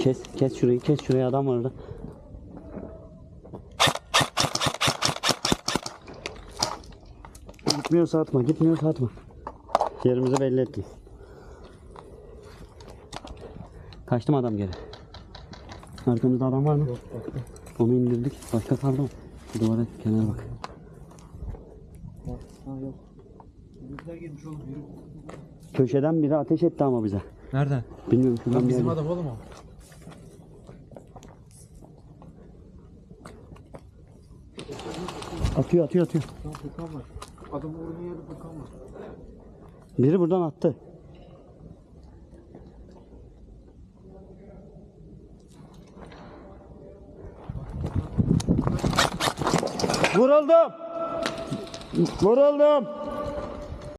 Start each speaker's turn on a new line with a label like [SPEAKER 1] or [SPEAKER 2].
[SPEAKER 1] Kes şurayı, kes şuraya, adam var orada. Gitmiyorsa atma, gitmiyorsa atma. Yerimizi belli ettim. Kaçtı mı adam geri? Arkamızda adam var mı?
[SPEAKER 2] Yok, baktım.
[SPEAKER 1] Onu indirdik. Başka kaldı mı? Şu duvara, kenara bak.
[SPEAKER 2] Ha, yok. Bizler girmiş oğlum. Yürü.
[SPEAKER 1] Köşeden biri ateş etti ama bize.
[SPEAKER 2] Nereden?
[SPEAKER 1] Bilmiyorum, şuradan
[SPEAKER 2] Lan bizim
[SPEAKER 1] geldi.
[SPEAKER 2] adam oğlum o.
[SPEAKER 1] Atıyor.
[SPEAKER 2] Şu an Furkan var. Adam vurduğun yerde Furkan var.
[SPEAKER 1] Biri buradan attı. Vuruldum.